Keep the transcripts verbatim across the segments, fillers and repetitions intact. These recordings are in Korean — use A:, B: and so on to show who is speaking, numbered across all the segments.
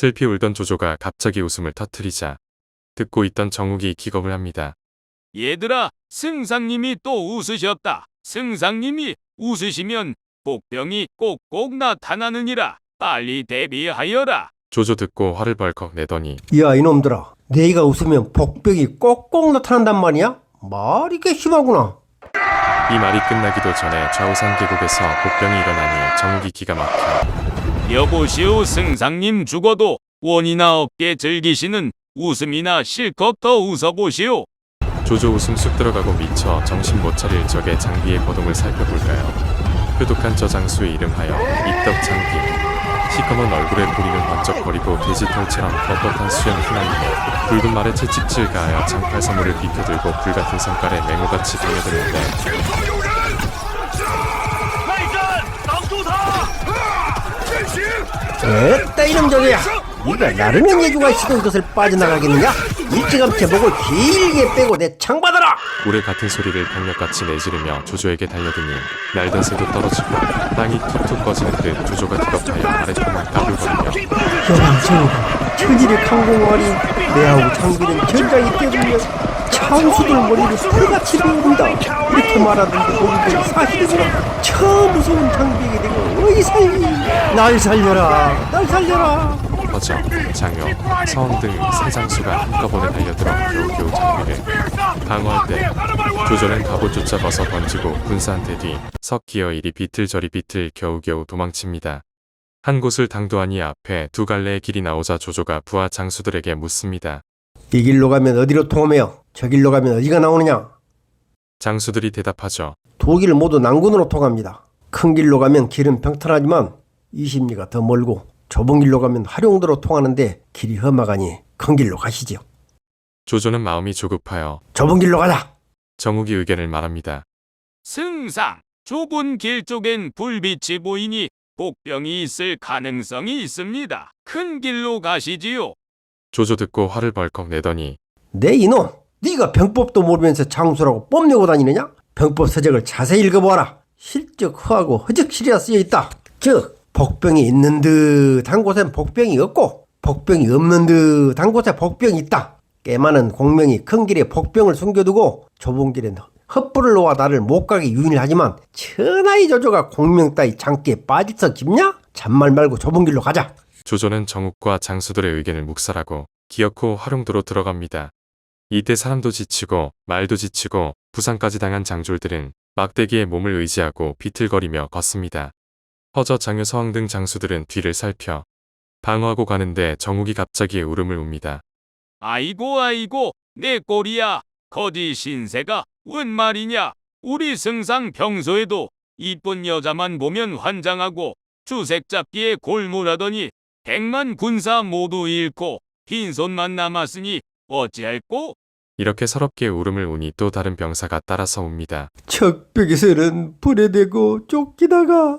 A: 슬피 울던 조조가 갑자기 웃음을 터뜨리자 듣고 있던 정욱이 기겁을 합니다.
B: 얘들아, 승상님이 또 웃으셨다. 승상님이 웃으시면 복병이 꼭꼭 나타나느니라. 빨리 대비하여라.
A: 조조 듣고 화를 벌컥 내더니
C: 야 이놈들아, 내가 웃으면 복병이 꼭꼭 나타난단 말이야? 말이 꽤 심하구나.
A: 이 말이 끝나기도 전에 좌우산 계곡에서 복병이 일어나니 정욱이 기가 막혀
B: 여보시오, 승상님 죽어도 원이나 없게 즐기시는 웃음이나 실컷 더 웃어보시오.
A: 조조 웃음 쑥 들어가고 미쳐 정신 못 차릴 적에 장비의 거동을 살펴볼까요? 표독한 저 장수의 이름하여 입덕 장비. 시커먼 얼굴에 고리는 번쩍거리고 돼지털처럼 뻣뻣한 수염 휘날리고 붉은 말에 채찍질 가하여 장팔사물을 비켜들고 불같은 성깔에 맹호같이 달려드는데
C: 에따 이놈 저거야, 네가 나르는 예주가 있어도 이것을 빠져나가겠느냐? 일찌감치 목을 길게 빼고 내 창 받아라.
A: 고래 같은 소리를 병력같이 내지르며 조조에게 달려드니 날던 새도 떨어지고 땅이 툭툭 꺼지는 듯 조조가 기겁하여 아랫동을 까불거리며
C: 영정 천일의 강공활이 내하고 장비는 전장이 뛰어들며 창수들 머리를 풀같이 베어온다. 이렇게 말하던데 보기보니 사실이구나. 저 무서운 장비에게 내가 어이사이. 날 살려라, 날 살려라.
A: 허정, 장효, 서원 등 세 장수가 한꺼번에 달려들어 겨우겨우 장비를 방어할 때 조조는 갑옷 쫓아버서 던지고 군사한테 뒤 석 기어 이리 비틀저리 비틀 겨우겨우 도망칩니다. 한 곳을 당도하니 앞에 두 갈래의 길이 나오자 조조가 부하 장수들에게 묻습니다.
C: 이 길로 가면 어디로 통하며 저 길로 가면 어디가 나오느냐?
A: 장수들이 대답하죠.
C: 두 길 모두 난군으로 통합니다. 큰 길로 가면 길은 평탄하지만 이십 리가 더 멀고 좁은 길로 가면 하룡도로 통하는데 길이 험하가니 큰 길로 가시지요.
A: 조조는 마음이 조급하여
C: 좁은 길로 가자.
A: 정욱이 의견을 말합니다.
B: 승상, 좁은 길 쪽엔 불빛이 보이니 복병이 있을 가능성이 있습니다. 큰 길로 가시지요.
A: 조조 듣고 화를 벌컥 내더니
C: 내 이놈, 네가 병법도 모르면서 장수라고 뽐내고 다니느냐? 병법 서적을 자세히 읽어보아라. 실적 허하고 허적실이라 쓰여있다. 즉 복병이 있는 듯한 곳엔 복병이 없고 복병이 없는 듯한 곳에 복병이 있다. 꽤 많은 공명이 큰 길에 복병을 숨겨두고 좁은 길엔 헛불을 놓아 나를 못 가게 유인을 하지만 천하의 조조가 공명 따위 장기에 빠질서 깊냐? 잔말 말고 좁은 길로 가자.
A: 조조는 정욱과 장수들의 의견을 묵살하고 기어코 화룡도로 들어갑니다. 이때 사람도 지치고 말도 지치고 부상까지 당한 장졸들은 막대기에 몸을 의지하고 비틀거리며 걷습니다. 허저, 장효, 서왕 등 장수들은 뒤를 살펴 방어하고 가는데 정욱이 갑자기 울음을 웁니다.
B: 아이고 아이고, 내 꼴이야. 거지 신세가 웬 말이냐. 우리 승상 평소에도 이쁜 여자만 보면 환장하고 주색 잡기에 골몰하더니 백만 군사 모두 잃고 빈손만 남았으니 어찌할꼬?
A: 이렇게 서럽게 울음을 우니 또 다른 병사가 따라서 웁니다.
C: 적벽에서는 불에 대고 쫓기다가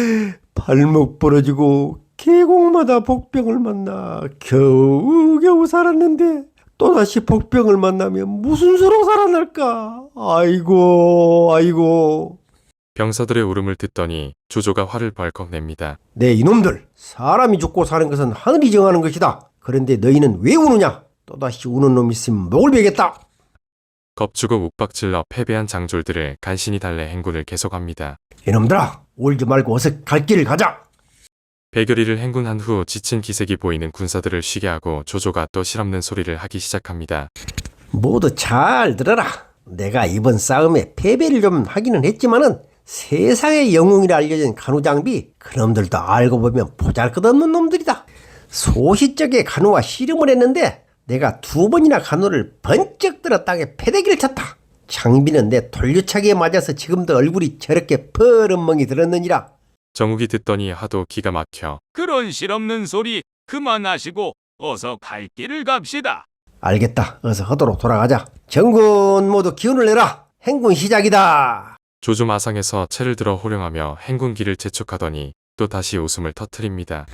C: 발목 부러지고 계곡마다 복병을 만나 겨우겨우 살았는데 또다시 복병을 만나면 무슨 수로 살아날까? 아이고 아이고.
A: 병사들의 울음을 듣더니 조조가 화를 벌컥 냅니다.
C: 네 이놈들, 사람이 죽고 사는 것은 하늘이 정하는 것이다. 그런데 너희는 왜 우느냐? 또다시 우는 놈 있으면 목을 베겠다.
A: 겁주고 욱박질러 패배한 장졸들을 간신히 달래 행군을 계속합니다.
C: 이놈들아, 울지 말고 어서 갈 길을 가자.
A: 백여리를 행군한 후 지친 기색이 보이는 군사들을 쉬게 하고 조조가 또 실없는 소리를 하기 시작합니다.
C: 모두 잘 들어라. 내가 이번 싸움에 패배를 좀 하기는 했지만은 세상의 영웅이라 알려진 간우장비, 그놈들도 알고 보면 보잘것없는 놈들이다. 소시적에 간우와 씨름을 했는데 내가 두 번이나 간우를 번쩍 들어 땅에 패대기를 쳤다. 장비는 내 돌려차기에 맞아서 지금도 얼굴이 저렇게 퍼런멍이 들었느니라.
A: 정욱이 듣더니 하도 기가 막혀
B: 그런 실없는 소리 그만하시고 어서 갈 길을 갑시다.
C: 알겠다. 어서 허도로 돌아가자. 정군 모두 기운을 내라. 행군 시작이다.
A: 조조 마상에서 채를 들어 호령하며 행군기를 재촉하더니 또 다시 웃음을 터뜨립니다.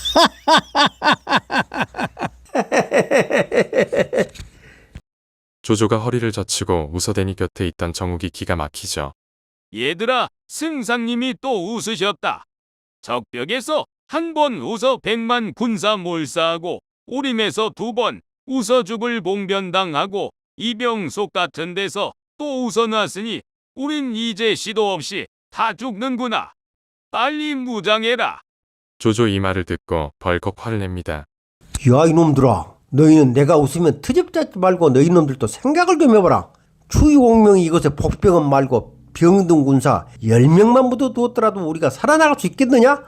A: 조조가 허리를 젖히고 웃어대니 곁에 있던 정욱이 기가 막히죠.
B: 얘들아, 승상님이 또 웃으셨다. 적벽에서 한 번 웃어 백만 군사 몰사하고 오림에서 두 번 웃어 죽을 봉변당하고 이병속 같은 데서 또 웃어놨으니 우린 이제 시도 없이 다 죽는구나. 빨리 무장해라.
A: 조조 이 말을 듣고 벌컥 화를 냅니다.
C: 야 이놈들아, 너희는 내가 웃으면 트집 잡지 말고 너희 놈들도 생각을 좀 해봐라. 추위공명이 이것에 복병은 말고 병든 군사 열 명만 묻어두었더라도 우리가 살아나갈 수 있겠느냐?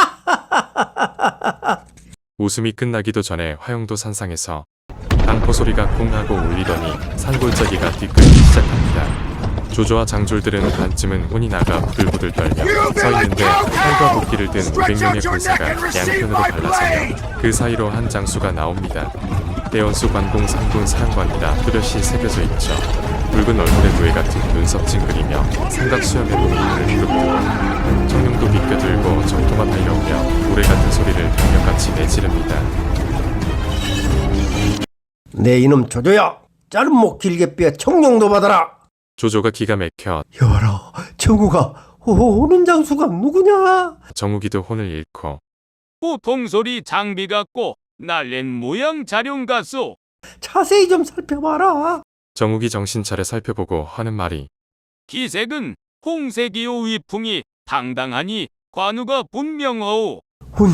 A: 웃음이 끝나기도 전에 화영도 산상에서 단포 소리가 쿵 하고 울리더니 산골짜기가 뒤끝기 시작합니다. 조조와 장졸들은 반쯤은 혼이 나가 부들부들 떨며 서 있는데 칼과 도끼를 든 오백 명의 군사가 양편으로 갈라서며 그 사이로 한 장수가 나옵니다. 대원수 관공 삼군 사령관이라 뚜렷이 새겨져 있죠. 붉은 얼굴에 노예 같은 눈썹 찡그리며 삼각수염의 몸이 눈을 부릅뜨고 청룡도 비껴들고 적토가 달려오며 우레 같은 소리를 병력같이 내지릅니다.
C: 내 이놈 조조야, 짧은 목 길게 빼 청룡도 받아라.
A: 조조가 기가 막혀
C: 여봐라, 정우가 오, 오는 장수가 누구냐?
A: 정욱이도 혼을 잃고
B: 보통 소리 장비 같고 날랜 모양 자룡 같소.
C: 자세히 좀 살펴봐라.
A: 정욱이 정신 차려 살펴보고 하는 말이
B: 기색은 홍색이요 위풍이 당당하니 관우가 분명하오.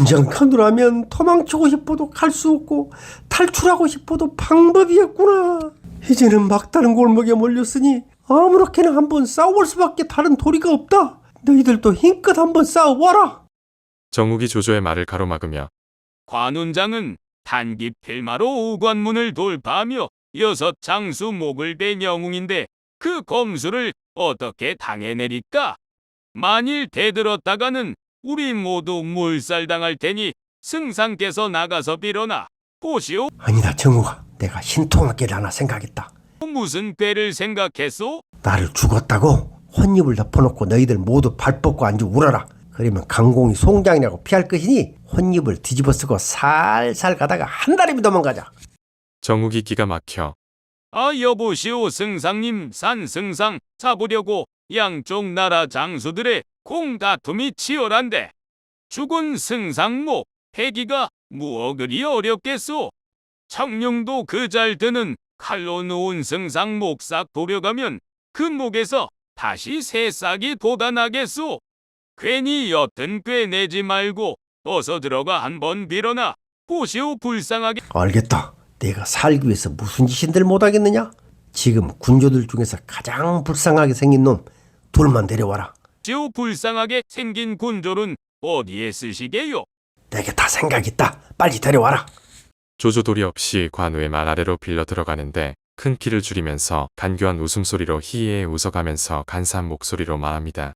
C: 운장칸으라면 도망치고 싶어도 갈 수 없고 탈출하고 싶어도 방법이 없구나. 이제는 막다른 골목에 몰렸으니 아무렇게나 한번 싸워볼 수밖에 다른 도리가 없다. 너희들도 힘껏 한번 싸워봐라.
A: 정욱이 조조의 말을 가로막으며
B: 관운장은 단기 필마로 오관문을 돌파하며 여섯 장수 목을 댄 영웅인데 그 검수를 어떻게 당해내릴까? 만일 대들었다가는 우리 모두 몰살당할 테니 승상께서 나가서 빌어나 보시오.
C: 아니다 정우가, 내가 신통하게 하나 생각했다.
B: 무슨 꾀를 생각했소?
C: 나를 죽었다고 혼입을 덮어놓고 너희들 모두 발 뻗고 앉아 울어라. 그러면 강공이 송장이라고 피할 것이니 혼입을 뒤집어쓰고 살살 가다가 한 달이면 도망가자.
A: 정욱이 기가 막혀
B: 아 여보시오 승상님, 산승상 잡으려고 양쪽 나라 장수들의 공다툼이 치열한데 죽은 승상목 패기가 무어 그리 어렵겠소. 청룡도 그 잘 드는 칼로 놓은 승상 목삭 도려가면 그 목에서 다시 새싹이 돋아나겠소. 괜히 옅은 꾀 내지 말고 어서 들어가 한번 빌어나 보시오. 불쌍하게.
C: 알겠다. 내가 살기 위해서 무슨 짓인들 못하겠느냐? 지금 군조들 중에서 가장 불쌍하게 생긴 놈 둘만 데려와라.
B: 보시오. 불쌍하게 생긴 군졸은 어디에 쓰시게요?
C: 내게 다 생각 있다. 빨리 데려와라.
A: 조조 도리 없이 관우의 말 아래로 빌려 들어가는데 큰 키를 줄이면서 간교한 웃음소리로 희희해 웃어가면서 간사한 목소리로 말합니다.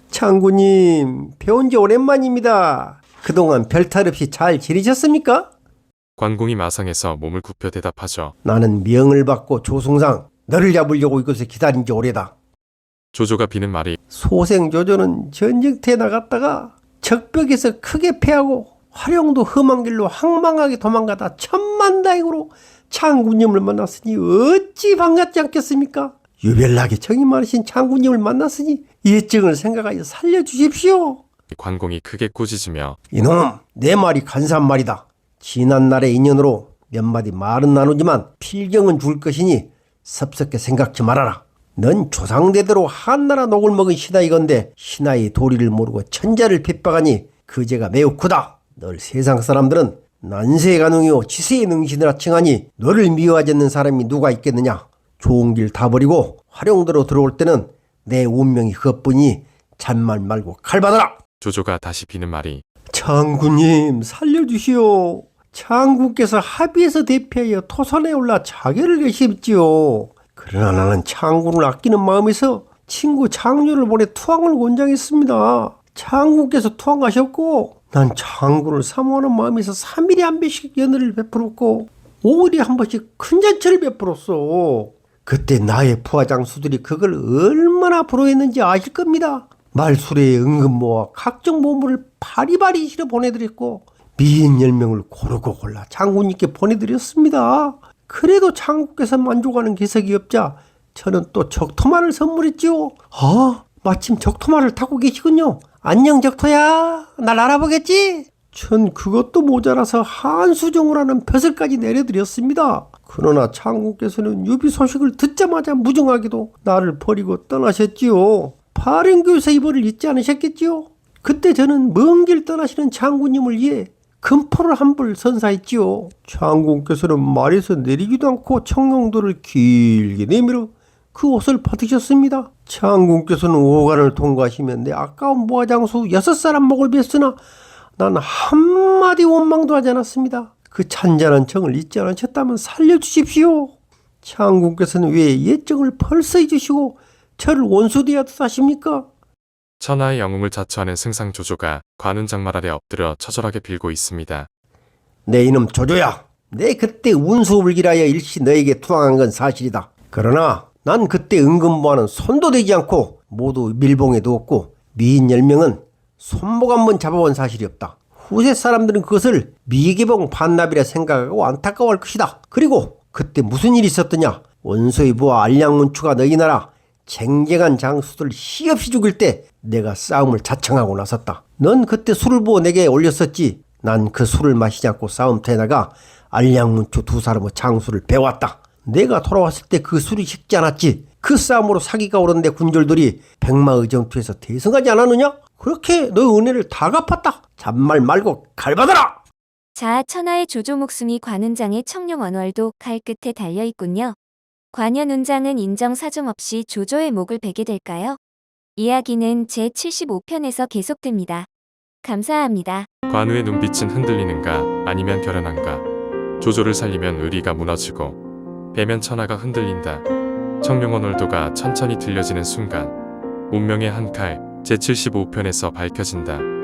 C: 장군님, 배운 지 오랜만입니다. 그동안 별탈 없이 잘 지내셨습니까?
A: 관공이 마상에서 몸을 굽혀 대답하죠.
C: 나는 명을 받고 조승상 너를 잡으려고 이곳에 기다린 지 오래다.
A: 조조가 비는 말이
C: 소생조조는 전쟁터에 나갔다가 적벽에서 크게 패하고 화룡도 험한 길로 황망하게 도망가다 천만다행으로 장군님을 만났으니 어찌 반갑지 않겠습니까? 유별나게 정이 많으신 장군님을 만났으니 예증을 생각하여 살려주십시오.
A: 관공이 크게 꾸짖으며
C: 이놈, 내 말이 간사한 말이다. 지난날의 인연으로 몇 마디 말은 나누지만 필경은 줄 것이니 섭섭게 생각지 말아라. 넌 조상대대로 한나라 녹을 먹은 신하이건데 신하의 도리를 모르고 천자를 핍박하니 그 죄가 매우 크다. 널 세상 사람들은 난세의 가능이요 지세의 능신이라 칭하니 너를 미워하지 않는 사람이 누가 있겠느냐. 좋은 길 다 버리고 화룡도로 들어올 때는 내 운명이 그것뿐이니 잔말 말고 칼 받아라.
A: 조조가 다시 비는 말이
C: 장군님 살려주시오. 장군께서 합의해서 대피하여 토산에 올라 자결을 계십지요. 그러나 나는 장군을 아끼는 마음에서 친구 장류를 보내 투항을 권장했습니다. 장군께서 투항하셨고 난 장군을 사모하는 마음에서 삼 일에 한 번씩 연회를 베풀었고 오 일에 한 번씩 큰 잔치를 베풀었어. 그때 나의 부하장수들이 그걸 얼마나 부러워했는지 아실 겁니다. 말수레에 은근모와 각종 보물을 바리바리 실어 보내드렸고 미인 열 명을 고르고 골라 장군님께 보내드렸습니다. 그래도 장군께서 만족하는 기색이 없자 저는 또 적토마를 선물했지요. 아, 마침 적토마를 타고 계시군요. 안녕 적토야, 날 알아보겠지? 전 그것도 모자라서 한수정을 하는 벼슬까지 내려드렸습니다. 그러나 장군께서는 유비 소식을 듣자마자 무정하게도 나를 버리고 떠나셨지요. 발행교사 이벌을 잊지 않으셨겠지요. 그때 저는 먼 길 떠나시는 장군님을 위해 금포를 한 불 선사했지요. 장군께서는 말에서 내리기도 않고 청룡도를 길게 내밀어 그 옷을 받으셨습니다. 장군께서는 오간을 통과하시면 내 아까운 모화장수 여섯 사람 목을 뱄으나 난 한마디 원망도 하지 않았습니다. 그 찬잔한 정을 잊지 않으셨다면 살려주십시오. 장군께서는 왜 예정을 벌써 잊으시고 저를 원수되었듯 하십니까?
A: 천하의 영웅을 자처하는 승상조조가 관운장말 아래 엎드려 처절하게 빌고 있습니다.
C: 내 이놈 조조야, 내 그때 운수불길하여 일시 너에게 투항한 건 사실이다. 그러나 난 그때 은근보화는 손도 대지 않고 모두 밀봉에 두었고 미인 열 명은 손목 한번 잡아본 사실이 없다. 후세 사람들은 그것을 미개봉 반납이라 생각하고 안타까워할 것이다. 그리고 그때 무슨 일이 있었더냐? 원소의 부하 알량문추가 너희 나라 쟁쟁한 장수들 시없이 죽일 때 내가 싸움을 자청하고 나섰다. 넌 그때 술을 부어 내게 올렸었지. 난 그 술을 마시지 않고 싸움터에 나가 알량문추 두 사람의 장수를 배웠다. 내가 돌아왔을 때 그 술이 식지 않았지. 그 싸움으로 사기가 오른데 군졸들이 백마의정투에서 대성하지 않았느냐? 그렇게 너 은혜를 다 갚았다. 잔말 말고 갈받아라.
D: 자, 천하의 조조 목숨이 관운장의 청룡 언월도 칼 끝에 달려있군요. 관현운장은 인정사정 없이 조조의 목을 베게 될까요? 이야기는 제칠십오 편에서 계속됩니다. 감사합니다.
A: 관우의 눈빛은 흔들리는가 아니면 결연한가. 조조를 살리면 의리가 무너지고 배면 천하가 흔들린다. 청룡언월도가 천천히 들려지는 순간 운명의 한 칼 제칠십오 편에서 밝혀진다.